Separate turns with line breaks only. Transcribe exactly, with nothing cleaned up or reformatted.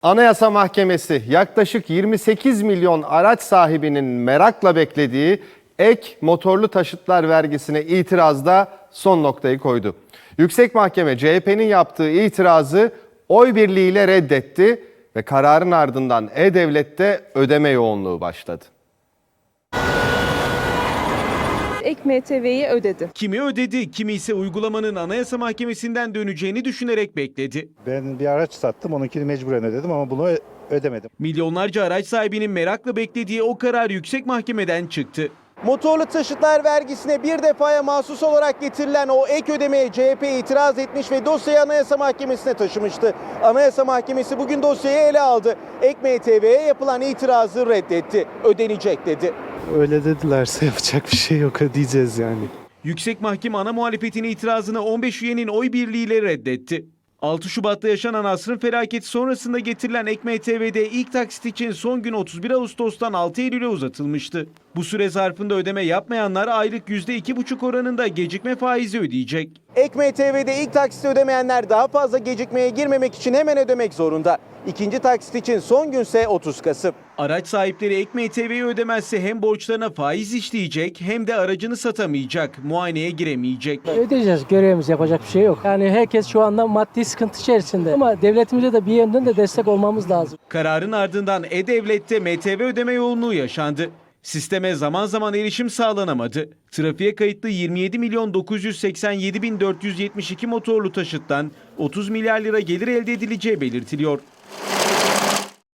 Anayasa Mahkemesi yaklaşık yirmi sekiz milyon araç sahibinin merakla beklediği ek motorlu taşıtlar vergisine itirazda son noktayı koydu. Yüksek Mahkeme C H P'nin yaptığı itirazı oy birliğiyle reddetti ve kararın ardından E-Devlet'te ödeme yoğunluğu başladı.
Ek M T V'yi ödedi.
Kimi ödedi, kimi ise uygulamanın Anayasa Mahkemesi'nden döneceğini düşünerek bekledi.
Ben bir araç sattım, onunkini mecburen ödedim ama bunu ödemedim.
Milyonlarca araç sahibinin merakla beklediği o karar Yüksek Mahkeme'den çıktı.
Motorlu taşıtlar vergisine bir defaya mahsus olarak getirilen o ek ödemeye C H P itiraz etmiş ve dosyayı Anayasa Mahkemesi'ne taşımıştı. Anayasa Mahkemesi bugün dosyayı ele aldı. Ek M T V'ye yapılan itirazı reddetti. Ödenecek dedi.
Öyle dedilerse yapacak bir şey yok, ödeyeceğiz yani.
Yüksek Mahkeme ana muhalefetin itirazını on beş üyenin oy birliğiyle reddetti. altı Şubat'ta yaşanan asrın felaketi sonrasında getirilen Ek M T V'de ilk taksit için son gün otuz bir Ağustos'tan altı Eylül'e uzatılmıştı. Bu süre zarfında ödeme yapmayanlar aylık yüzde iki buçuk oranında gecikme faizi ödeyecek.
Ek M T V'de ilk taksiti ödemeyenler daha fazla gecikmeye girmemek için hemen ödemek zorunda. İkinci taksit için son günse otuz Kasım.
Araç sahipleri Ek M T V'yi ödemezse hem borçlarına faiz işleyecek hem de aracını satamayacak, muayeneye giremeyecek.
Ödeyeceğiz, görevimiz, yapacak bir şey yok. Yani herkes şu anda maddi sıkıntı içerisinde ama devletimize de bir yönden de destek olmamız lazım.
Kararın ardından E-Devlet'te M T V ödeme yoğunluğu yaşandı. Sisteme zaman zaman erişim sağlanamadı. Trafiğe kayıtlı yirmi yedi milyon dokuz yüz seksen yedi bin dört yüz yetmiş iki motorlu taşıttan otuz milyar lira gelir elde edileceği belirtiliyor.